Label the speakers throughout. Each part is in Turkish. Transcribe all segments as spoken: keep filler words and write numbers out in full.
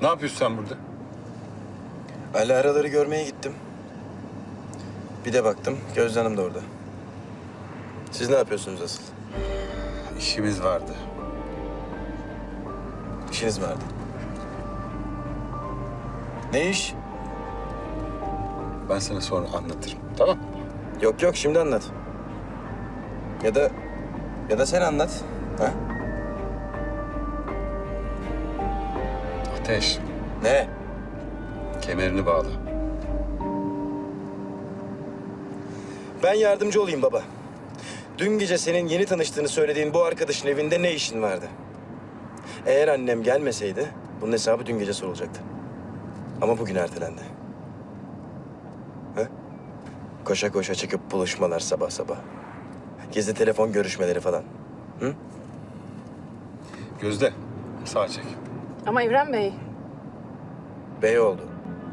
Speaker 1: Ne yapıyorsun sen burada?
Speaker 2: Ali araları görmeye gittim. Bir de baktım Gözde Hanım da orada. Siz ne yapıyorsunuz asıl?
Speaker 1: İşimiz vardı.
Speaker 2: İşiniz vardı. Ne iş?
Speaker 1: Ben sana sonra anlatırım. Tamam.
Speaker 2: Yok yok şimdi anlat. Ya da ya da sen anlat. Ha?
Speaker 1: Ateş,
Speaker 2: Ne?
Speaker 1: kemerini bağla.
Speaker 2: Ben yardımcı olayım baba. Dün gece senin yeni tanıştığını söylediğin bu arkadaşın evinde ne işin vardı? Eğer annem gelmeseydi bunun hesabı dün gece sorulacaktı. Ama bugün ertelendi. Ha? Koşa koşa çıkıp buluşmalar sabah sabah. Gizli telefon görüşmeleri falan. Hı?
Speaker 1: Gözde, sağa çek.
Speaker 3: Ama Evren Bey,
Speaker 2: Bey oldu.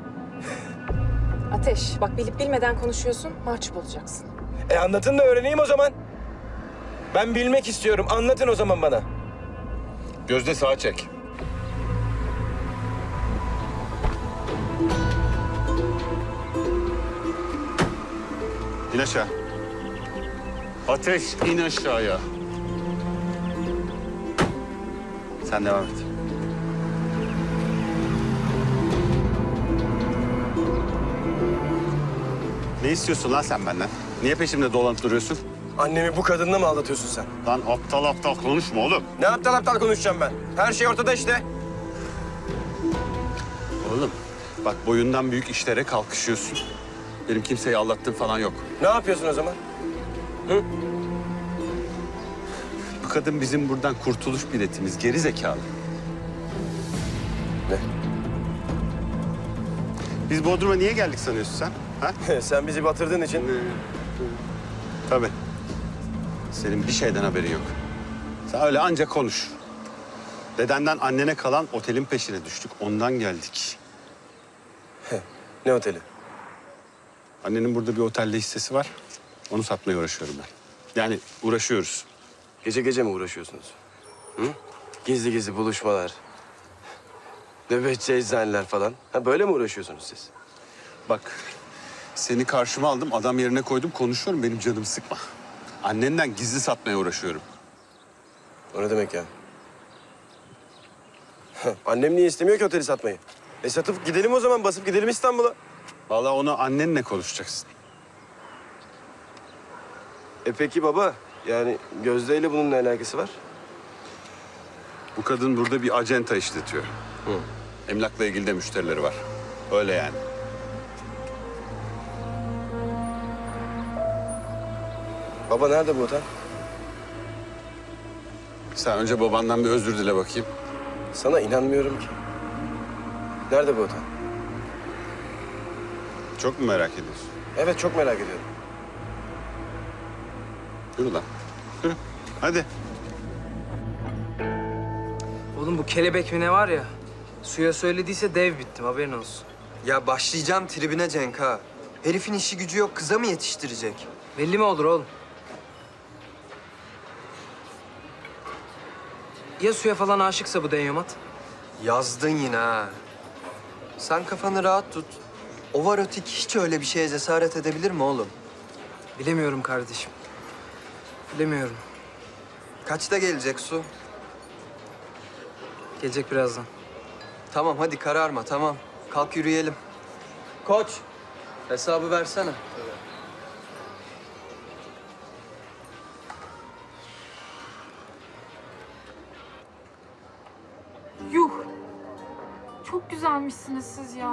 Speaker 3: Ateş bak bilip bilmeden konuşuyorsun, mahcup olacaksın.
Speaker 2: E anlatın da öğreneyim o zaman. Ben bilmek istiyorum. Anlatın o zaman bana.
Speaker 1: Gözde, sağa çek.
Speaker 4: İn aşağı. Ateş, in aşağıya. Sen devam et. Ne istiyorsun lan sen benden? Niye peşimde dolanıp duruyorsun?
Speaker 2: Annemi bu kadınla mı aldatıyorsun sen?
Speaker 4: Lan aptal aptal konuşma oğlum.
Speaker 2: Ne aptal aptal konuşacağım ben? Her şey ortada işte.
Speaker 4: Oğlum bak boyundan büyük işlere kalkışıyorsun. Benim kimseyi aldattığım falan yok.
Speaker 2: Ne yapıyorsun o zaman?
Speaker 4: Bu kadın bizim buradan kurtuluş biletimiz. Geri zekalı.
Speaker 2: Ne?
Speaker 4: Biz Bodrum'a niye geldik sanıyorsun sen? Ha?
Speaker 2: Sen bizi batırdığın için.
Speaker 4: Tabii. Senin bir şeyden haberin yok. Sen öyle anca konuş. Dedenden annene kalan otelin peşine düştük. Ondan geldik.
Speaker 2: Ne oteli?
Speaker 4: Annenin burada bir otelde hissesi var. Onu satmaya uğraşıyorum ben. Yani uğraşıyoruz.
Speaker 2: Gece gece mi uğraşıyorsunuz? Hı? Gizli gizli buluşmalar. Nöbetçi eczaneler falan. Ha böyle mi uğraşıyorsunuz siz?
Speaker 4: Bak seni karşıma aldım, adam yerine koydum, konuşuyorum. Benim canımı sıkma. Annenden gizli satmaya uğraşıyorum.
Speaker 2: O ne demek ya? Annem niye istemiyor ki oteli satmayı? E satıp gidelim o zaman, basıp gidelim İstanbul'a.
Speaker 4: Vallahi onu annenle konuşacaksın.
Speaker 2: E peki baba, yani Gözde ile bunun ne alakası var?
Speaker 4: Bu kadın burada bir acenta işletiyor.
Speaker 2: Hı.
Speaker 4: Emlakla ilgili de müşterileri var. Öyle yani.
Speaker 2: Baba nerede bu otel?
Speaker 4: Sen önce babandan bir özür dile bakayım.
Speaker 2: Sana inanmıyorum ki. Nerede bu otel?
Speaker 4: Çok mu merak ediyorsun?
Speaker 2: Evet çok merak ediyorum.
Speaker 4: Yürü lan. Yürü. Hadi.
Speaker 5: Oğlum bu kelebek mi ne var ya? Suya söylediyse dev bittim haberin olsun.
Speaker 6: Ya başlayacağım tribine Cenk ha. Herifin işi gücü yok, kıza mı yetiştirecek?
Speaker 5: Belli mi olur oğlum? Ya suya falan aşıksa bu denyomat?
Speaker 6: Yazdın yine ha. Sen kafanı rahat tut. Ovarotik hiç öyle bir şeye cesaret edebilir mi oğlum?
Speaker 5: Bilemiyorum kardeşim. Bilemiyorum.
Speaker 6: Kaçta gelecek su?
Speaker 5: Gelecek birazdan.
Speaker 6: Tamam hadi kararma tamam. Kalk yürüyelim. Koç, hesabı versene.
Speaker 7: Yuh! Çok güzelmişsiniz siz ya.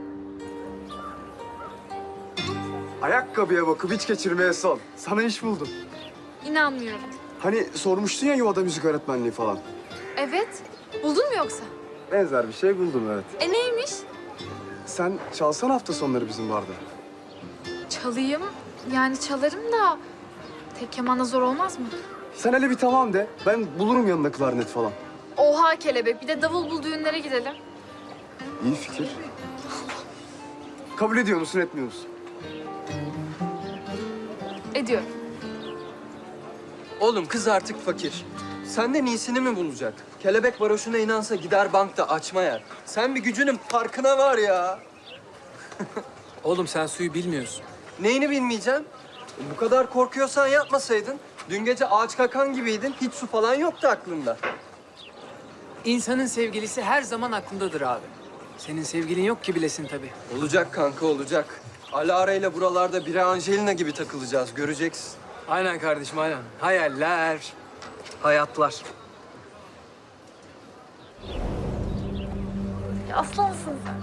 Speaker 8: Ayakkabıya bakıp hiç geçirmeye son. Sana iş buldum.
Speaker 7: İnanmıyorum.
Speaker 8: Hani sormuştun ya yuvada müzik öğretmenliği falan.
Speaker 7: Evet. Buldun mu yoksa?
Speaker 8: Benzer bir şey buldum evet.
Speaker 7: E neymiş?
Speaker 8: Sen çalsan hafta sonları bizim barda.
Speaker 7: Çalayım. Yani çalarım da tek kemana zor olmaz mı?
Speaker 8: Sen hele bir tamam de. Ben bulurum yanında klarnet falan.
Speaker 7: Oha kelebek. Bir de davul bul düğünlere gidelim.
Speaker 8: İyi fikir. Kabul ediyor musun etmiyor musun?
Speaker 7: Ediyorum.
Speaker 6: Oğlum kız artık fakir. Senden iyisini mi bulacak? Kelebek varoşuna inansa gider bankta açma yer. Sen bir gücünün farkına var ya.
Speaker 5: Oğlum sen suyu bilmiyorsun.
Speaker 6: Neyini bilmeyeceğim? Bu kadar korkuyorsan yapmasaydın. Dün gece ağaç kakan gibiydin. Hiç su falan yoktu aklında.
Speaker 5: İnsanın sevgilisi her zaman aklındadır abi. Senin sevgilin yok ki bilesin tabii.
Speaker 6: Olacak kanka olacak. Alara ile buralarda biri Angelina gibi takılacağız. Göreceksin.
Speaker 5: Aynen kardeşim aynen. Hayaller, hayatlar.
Speaker 7: Ya aslansın sen.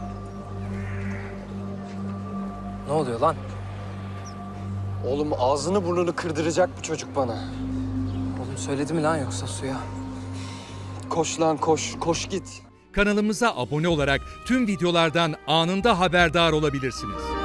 Speaker 5: Ne oluyor lan?
Speaker 6: Oğlum ağzını burnunu kırdıracak bu çocuk bana.
Speaker 5: Oğlum söyledi mi lan yoksa suya?
Speaker 6: Koş lan koş. Koş git.
Speaker 9: Kanalımıza abone olarak tüm videolardan anında haberdar olabilirsiniz.